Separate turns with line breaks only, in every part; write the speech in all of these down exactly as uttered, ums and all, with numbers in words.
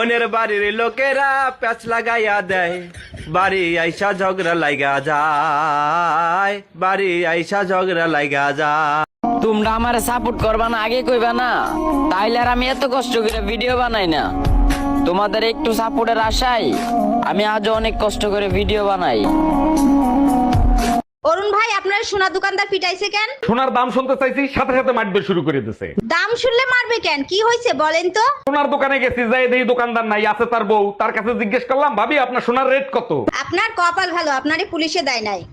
অন্যের বাড়ির লোকেরা প্যাচ লাগাইয়া দেয়, বাড়ি আইসা ঝগড়া লাগা যায়, বাড়ি আইসা ঝগড়া লাগা যায়।
তোমরা আমার সাপোর্ট করবা না আগে কইবা না, তাইলে আর আমি এত কষ্ট করে ভিডিও বানাই না। তোমাদের একটু সাপোর্টের আশায় আমি আজও অনেক কষ্ট করে ভিডিও বানাই।
অরুণ ভাই, আপনার সোনা দোকানদার পিটাইছে কেন?
সোনার দাম শুনতে চাইছি, সাথে সাথে মারবে শুরু করে দিছে।
দাম শুনলে মারবে কেন? কি হয়েছে বলেন তো?
সোনার দোকানে গেছি, যাই দেখি দোকানদার নাই, আছে তার বউ। তার কাছে জিজ্ঞেস করলাম, ভাবি আপনার সোনার রেট কত?
আপনার কপাল ভালো, আপনারই পুলিশে দেয় নাই।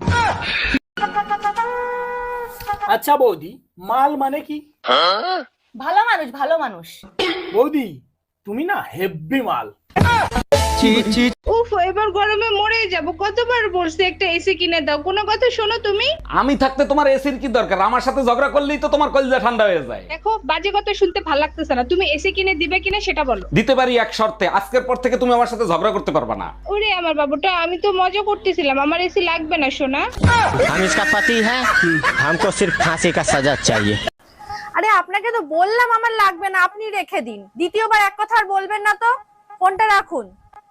আচ্ছা বৌদি, মাল মানে কি?
ভালো মানুষ, ভালো মানুষ।
বৌদি তুমি না হেব্বি মাল।
উফ, এবার গরমে মরে যাব। কতবার বলছি একটা এসি কিনে দাও, কোনো কথা শোনো তুমি?
আমি থাকতে তোমার এসির কি দরকার? আমার সাথে ঝগড়া করলেই তো তোমার কলিজা ঠান্ডা হয়ে যায়।
দেখো, বাজে কথা শুনতে ভালো লাগতেছে না। তুমি এসি কিনে দিবে কিনা সেটা বলো।
দিতে পারি এক শর্তে, আজকের পর থেকে তুমি আমার সাথে ঝগড়া করতে পারবে না।
ওরে আমার বাবুটা, আমি তো মজা করতেছিলাম। আমার এসি লাগবে না সোনা।
हम इसका पति है, हमको सिर्फ फांसी का सजा चाहिए।
আরে আপনাকে তো বললাম আমার লাগবে না, আপনি রেখে দিন। দ্বিতীয়বার এক কথা আর বলবেন না তো। ফোনটা রাখুন।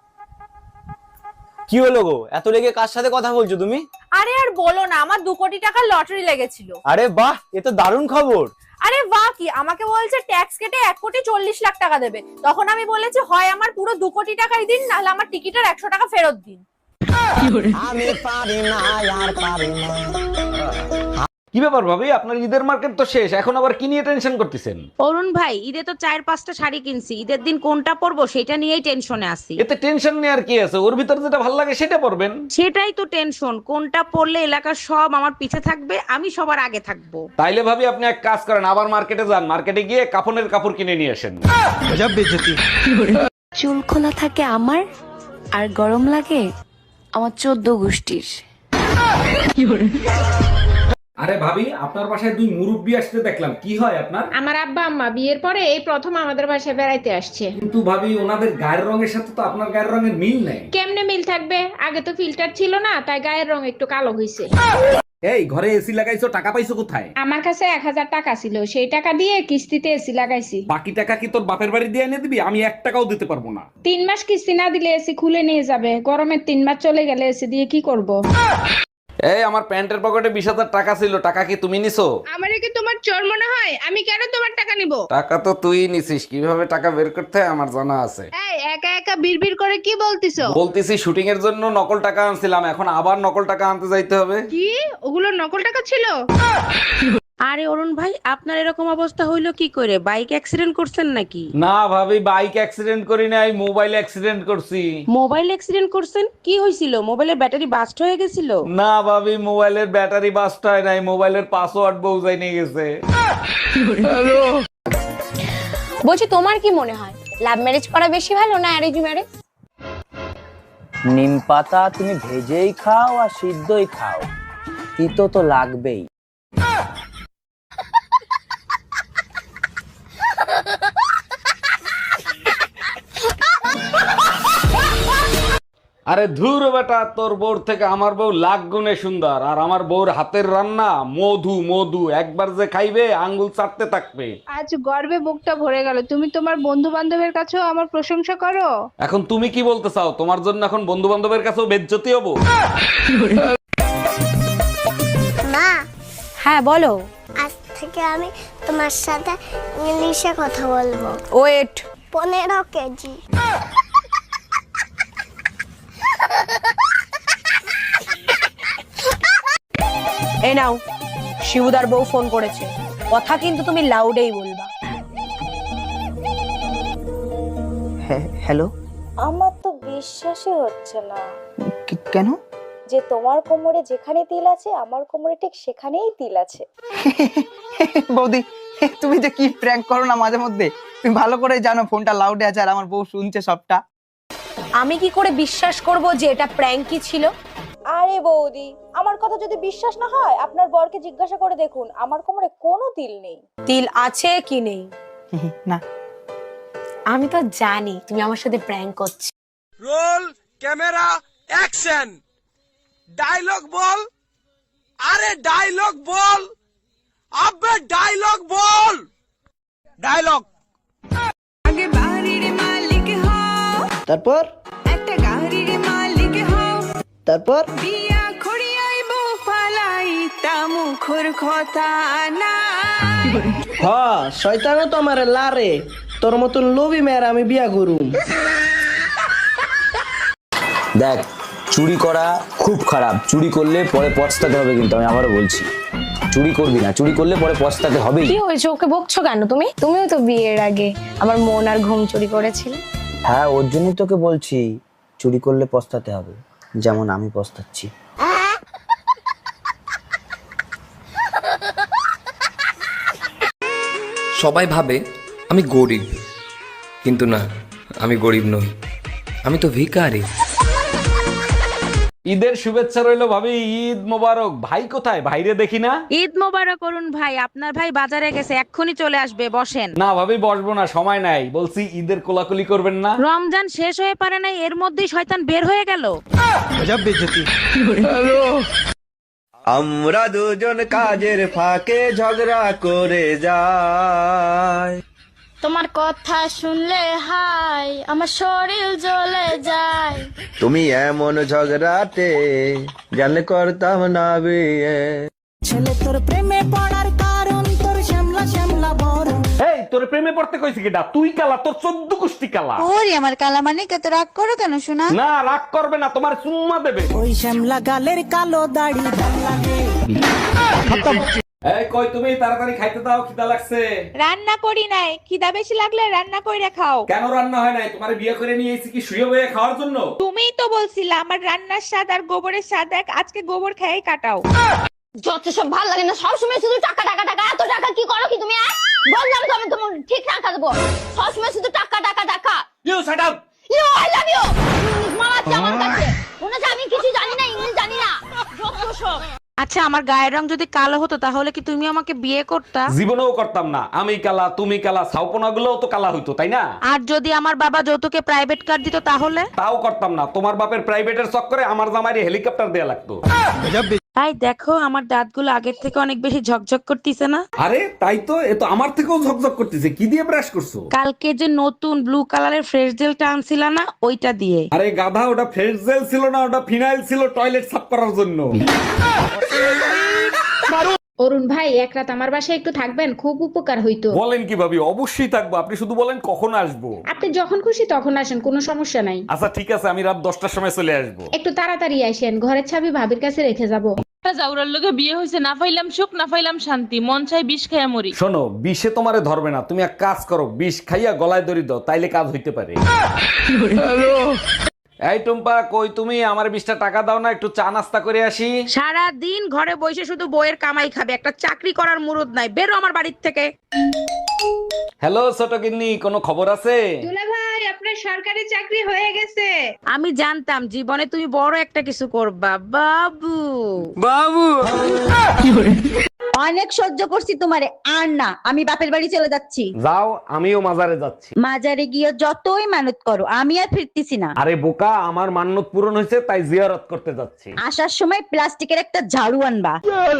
কি হলো গো, এত লেগে কার সাথে কথা বলছো তুমি?
আরে আর বলো না, আমার দু কোটি টাকার লটারি লেগেছিল।
আরে বাহ, এ তো দারুণ খবর।
আরে বাহ কি, আমাকে বলছে ট্যাক্স কেটে এক কোটি চল্লিশ লাখ টাকা দেবে। তখন আমি বলেছি হয় আমার পুরো দু কোটি টাকাই দিন, নাহলে আমার টিকিটের একশো টাকা ফেরত দিন।
আমি পারি না আর পারি না।
কি ব্যাপার ভাবি, আপনার ঈদের মার্কেট তো শেষ, এখন আবার কি নিয়ে টেনশন করতেছেন?
অরুণ ভাই, ঈদে তো চার পাঁচটা শাড়ি কিনছি, ঈদের দিন কোনটা পরবো সেটা নিয়েই টেনশনে আছি।
এতে টেনশন নেওয়ার কি আছে? ওর ভিতর যেটা ভালো লাগে সেটা পরবেন।
সেটাই তো টেনশন, কোনটা পরলে এলাকার সব আমার পিছে থাকবে, আমি সবার আগে থাকবো।
তাইলে ভাবি আপনি এক কাজ করেন, আবার মার্কেটে যান, মার্কেটে গিয়ে কাফনের কাপড় কিনে নিয়ে আসেন।
চুল খোলা থাকে আমার, আর গরম লাগে আমার চোদ্দ গোষ্ঠীর।
আরে ভাবি, আপনার বাসায় দুই মুরব্বি আসতে দেখলাম, কি হয় আপনার?
আমার আব্বা আম্মা বিয়ের পরে এই প্রথম আমাদের বাসায় বেড়াইতে আসছে।
কিন্তু ভাবি, ওনাদের গায়ের রঙের সাথে তো আপনার গায়ের রঙের মিল নেই।
কেমনে মিল থাকবে? আগে তো ফিল্টার ছিল না, তাই গায়ের রং একটু কালো হয়েছে।
এই ঘরে এসি লাগাইছো, টাকা পাইছো কোথায়?
আমার কাছে এক হাজার টাকা ছিল, সেই টাকা দিয়ে কিস্তিতে এসি লাগাইছি।
বাকি টাকা কি তোর বাপের বাড়ি দিয়ে এনে দিবি? আমি এক টাকাও দিতে পারবো না।
তিন মাস কিস্তি না দিলে এসি খুলে নিয়ে যাবে। গরমের তিন মাস চলে গেলে এসি দিয়ে কি করব?
এই আমার প্যান্টের পকেটে বিশ হাজার টাকা ছিল, টাকা কি তুমি নিছো?
আমারে কি তোমার চোর মনে হয়? আমি কেন তোমার টাকা নিব?
টাকা তো তুই নিছিস, কিভাবে টাকা বের করতে হয় আমার জানা আছে।
এই একা একা বিড়বিড় করে কি বলতিছো?
বলতেছি শুটিং এর জন্য নকল টাকা আনছিলাম, এখন আবার নকল টাকা আনতে যাইতে হবে।
কি ওগুলো নকল টাকা ছিল?
আরে অরুণ ভাই, আপনার এরকম অবস্থা হইলো কি করে? বাইক অ্যাক্সিডেন্ট করছেন নাকি?
না ভাবি, বাইক অ্যাক্সিডেন্ট করি নাই, মোবাইল অ্যাক্সিডেন্ট করছি।
মোবাইল অ্যাক্সিডেন্ট করছেন? কি হয়েছিল? মোবাইলের ব্যাটারি বাস্ট হয়ে গেছিল?
না ভাবি, মোবাইলের ব্যাটারি বাস্ট হয় নাই, মোবাইলের পাসওয়ার্ড বউজাই নিয়ে গেছে।
বলছি, তোমার কি মনে হয় লাভ ম্যারেজ করা বেশি ভালো না অ্যারেঞ্জ ম্যারেজ?
নিম পাতা তুমি ভেজেই খাও আর সিদ্ধই খাও, তিতো তো লাগবেই।
আরে ধুর বেটা, তোর বউর থেকে আমার বউ লাখ গুণে সুন্দর, আর আমার বউর হাতের রান্না মধু মধু, একবার যে খাইবে আঙ্গুল চাটতে থাকবে।
আজ গর্বে বুকটা ভরে গেল। তুমি তোমার বন্ধু বান্ধবের কাছেও আমার প্রশংসা করো।
এখন তুমি কি বলতে চাও? তোমার জন্য এখন বন্ধু বান্ধবের কাছেও বেজ্জতি হবো?
মা,
হ্যাঁ বলো।
আজ থেকে আমি তোমার সাথে ইংলিশে কথা বলবো।
ওয়েট।
পনেরো কেজি।
এই নাও, শিবুদার বউ ফোন করেছে, কথা কিন্তু তুমি লাউডেই বলবা।
হ্যালো,
আমার তো বিশ্বাসই হচ্ছে না
কেন?
যে তোমার কোমরে যেখানে তিল আছে আমার কোমরে ঠিক সেখানেই তিল আছে।
বৌদি, তুমি যে কি প্র্যাঙ্ক করো না মাঝে মধ্যে, তুমি ভালো করে জানো ফোনটা লাউডে আছে আর আমার বউ শুনছে সবটা।
আমি কি করে বিশ্বাস করব যে এটা প্র্যাঙ্কই ছিল? আরে বৌদি, আমার কথা যদি বিশ্বাস না হয় আপনার বরকে জিজ্ঞাসা করে দেখুন, আমার কোমরে কোনো তিল নেই। তিল আছে কি নেই
না,
আমি তো জানি তুমি আমার সাথে প্র্যাঙ্ক করছো।
Roll camera action. ডায়লগ বল। আরে ডায়লগ বল, আবে ডায়লগ বল। ডায়লগ।
আগে বাড়ির মালিক হয়।
তারপর
একটা গাড়ির মালিক হও
তারপর
বিয়া খড়িয়াইব ফালাই তা মুখর কথা না
হ্যাঁ শয়তানও তো আমার লারে তোর মতন লোভী মেয়ের আমি বিয়া করুম।
দেখ, চুরি করা খুব খারাপ, চুরি করলে পরে পস্তাতে হবে, কিন্তু আমি আবারও বলছি চুরি করবি না, চুরি করলে পরে পস্তাতে হবেই।
কি হয়েছে, ওকে বকছো কেন তুমি? তুমিও তো বিয়ের আগে আমার মন আর ঘুম চুরি করেছিলে।
হ্যাঁ, ওর জন্যই তোকে বলছি চুরি করলে পস্তাতে হবে, যেমন আমি পস্তাচ্ছি।
সবাই ভাবে আমি গরিব, কিন্তু না, আমি গরিব নই, আমি তো ভিখারি।
ঈদের শুভেচ্ছা রইলো ভাবি, ঈদ মোবারক। ভাই কোথায়? ভাইরে দেখি না।
ঈদ মোবারক অরুণ ভাই, আপনার ভাই বাজারে গেছে, এক্ষুনি চলে আসবে, বসেন।
না ভাবি, বসবো না, সময় নাই। বলছি ঈদের কোলাকুলি করবেন না।
রমজান শেষ হয়ে পারে নাই, এর মধ্যেই শয়তান বের হয়ে গেল।
আমরা দুজন কাজের ফাঁকে ঝগড়া করে যাই,
তোমার কথা শুনলে হাই আমার শরীর জ্বলে যায়।
তুমি এমন ঝগড়াতে জানলে করতাম না বিয়ে।
ছেলে তোর প্রেমে পড়ার কারণ তোর শ্যামলা শ্যামলা বড়।
এই তোর প্রেমে পড়তে কইছি কিটা? তুই কালা, তোর চোদ্দ কুষ্টি কালা।
ওরে আমার কালা মানে কত রাগ করো কেন শোনা?
না, রাগ করবে না, তোমার চুম্মা দেবে।
ওই শ্যামলা গালের কালো দাড়ি লাগে।
এই কই তুমি? তাড়াতাড়ি খাইতে দাও, খিদা লাগছে।
রান্না করি নাই, খিদা বেশি লাগলে রান্না কইরা খাও।
কেন রান্না হয় নাই? তোমার বিয়ে করে নিয়ে এসেছি কি শুয়ে বয়ে খাওয়ার জন্য?
তুমিই তো বলছিলা আমার রান্নার স্বাদ আর গোবরের স্বাদ এক, আজকে গোবর খেয়ে কাটাও।
যত সব ভালো লাগে না, সবসময় শুধু টাকা টাকা টাকা। এত টাকা কি করো কি তুমি? বললাম তো আমি তোমার ঠিক টাকা দেবো, সবসময় শুধু টাকা টাকা টাকা।
You shut up.
You I love you. মারাচ্ছে আমার কাছে, মনে হচ্ছে আমি কিছু জানি না, ইংলিশ জানি না, যত সব।
আচ্ছা, আমার গায়ের রং যদি কালো হতো তাহলে কি তুমি আমাকে বিয়ে করতা?
জীবনেও করতাম না। আমি কালা, তুমি কালা, ছাউপনা গুলোও তো কালা হইতো, তাই না?
আর যদি আমার বাবা যৌতুকে প্রাইভেট কার দিত তাহলে?
তাও করতাম না। তোমার বাপের প্রাইভেটের চক্করে আমার জামাইরে হেলিকপ্টার দেয়া লাগতো।
তাই দেখো, আমার দাঁতগুলো আগের থেকে অনেক বেশি ঝকঝক করতেছে না?
আরে তাই তো, এ তো আমার থেকেও ঝকঝক করতেছে। কি দিয়ে ব্রাশ করছো?
কালকে যে নতুন ব্লু কালারের ফ্রেশ জেলটা আনছিলা না, ওইটা দিয়ে।
আরে গাধা, ওটা ফ্রেশ জেল ছিল না, ওটা ফিনাইল ছিল টয়লেট সাফ করার জন্য।
অরুণ ভাই, এক রাত আমার বাসায় একটু থাকবেন, খুব উপকার হইতো।
বলেন কি ভাবি? অবশ্যই থাকবো, আপনি শুধু বলেন কখন আসবো।
আপনি যখন খুশি তখন আসেন, কোনো সমস্যা নাই।
আচ্ছা ঠিক আছে, আমি রাত দশটার সময় চলে আসবো।
একটু তাড়াতাড়ি আসেন, ঘরের চাবি ভাবির কাছে রেখে যাব।
জাউরার লগে বিয়ে হয়েছে, না পাইলাম সুখ না পাইলাম শান্তি, মন চাই বিষ খাইয়া মরি।
শোনো, বিষে তোমারে ধরবে না, তুমি এক কাজ করো, বিষ খাইয়া গলায় দড়ি দাও, তাইলে কাজ হইতে পারে। এই টুম্পা, কই তুমি? আমার বিশটা টাকা দাও না, একটু চা নাস্তা করে আসি।
সারা দিন ঘরে বসে শুধু বইয়ের কামাই খাবে, একটা চাকরি করার মুরুদ নাই, বেরো আমার বাড়ির থেকে।
হ্যালো ছোট গিন্নি, কোনো খবর আছে?
দুলা ভাই, আপনার সরকারি চাকরি হয়ে গেছে।
আমি জানতাম জীবনে তুমি বড় একটা কিছু করবা, বাবু।
অনেক সহ্য করছি তোমারে, আর না, আমি বাপের বাড়ি চলে যাচ্ছি।
যাও, আমিও মাজারে যাচ্ছি।
মাজারে গিয়ে যতই মানত করো, আমি আর ফিরতেছি না।
আরে বোকা, আমার মান্যত পূরণ হয়েছে, তাই জিয়ারত করতে যাচ্ছি।
আসার সময় প্লাস্টিকের একটা ঝাড়ু আনবা।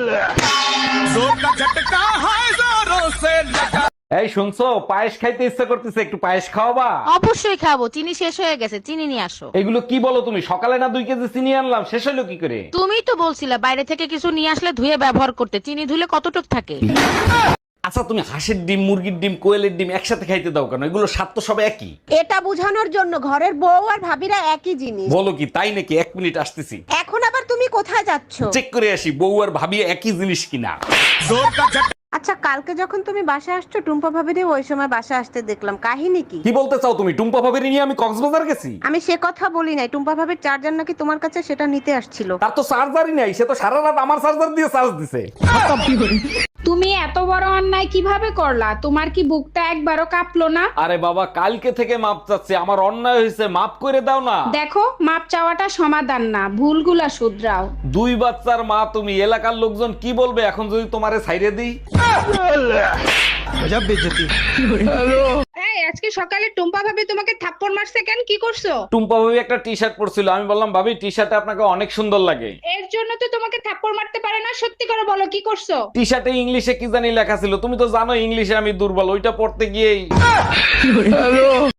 এই শুনছো, পায়েস খাইতে ইচ্ছা করতেছে, একটু পায়েস খাওয়াবা?
অবশ্যই খাবো, চিনি শেষ হয়ে গেছে, চিনি নিয়ে আসো।
এগুলো কি বলো তুমি? সকালে না দুই কেজি চিনি আনলাম, শেষ হলো কি করে?
তুমিই তো বলছিলে বাইরে থেকে কিছু নিয়ে আসলে ধুয়ে ব্যবহার করতে, চিনি ধুলে কতটুক থাকে?
আচ্ছা তুমি হাঁসের ডিম, মুরগির ডিম, কোয়েলের ডিম একসাথে খাইতে দাও কেন? এগুলো স্বাদ তো সব একই।
এটা বোঝানোর জন্য ঘরের বউ আর ভাবিরা একই জিনিস।
বলো কি তাই নাকি? এক মিনিট আসতেছি।
এখন আবার তুমি কোথায় যাচ্ছ?
চেক করে আসি বউ আর ভাবি একই জিনিস কিনা।
আচ্ছা, কালকে যখন তুমি বাসা আসছো, টুম্পা ভাবিরে ওই সময় বাসা আসতে দেখলাম, কাহিনী কি?
কি বলতে চাও তুমি? টুম্পা ভাবির নিয়ে আমি কক্সবাজার গেছি?
আমি সে কথা বলি নাই, টুম্পা ভাবির চার্জার নাকি তোমার কাছে, সেটা নিতে আসছিল।
তার তো চার্জারই নাই, সে তো সারা রাত আমার চার্জার দিয়ে চার্জ দিছে।
তুমি এত বড় অন্যায় কিভাবে করলা? তোমার কি বুকটা একবারও কাঁপলো না?
আরে বাবা, কালকে থেকে মাপ চাচ্ছি, আমার অন্যায় হয়েছে, মাপ করে দাও না।
দেখো, মাপ চাওয়াটা সমাধান না, ভুলগুলা শুধরাও।
দুই বাচ্চার মা তুমি, এলাকার লোকজন কি বলবে এখন যদি তোমারে ছাইরে দিই?
এই, আজকে সকালে টুম্পা ভাবি তোমাকে থাপ্পড় মারছে কেন? কি করছো?
টুম্পা ভাবি একটা টি শার্ট পরছিল, আমি বললাম ভাবি টি শার্টে আপনাকে অনেক সুন্দর লাগে।
এর জন্য তো তোমাকে থাপ্পড় মারতে পারে না। সত্যি করে বলো, কি করছো?
টি শার্টে ইংলিশে কি জানি লেখা ছিল, তুমি তো জানো ইংলিশে আমি দুর্বল, ওইটা পড়তে গিয়েই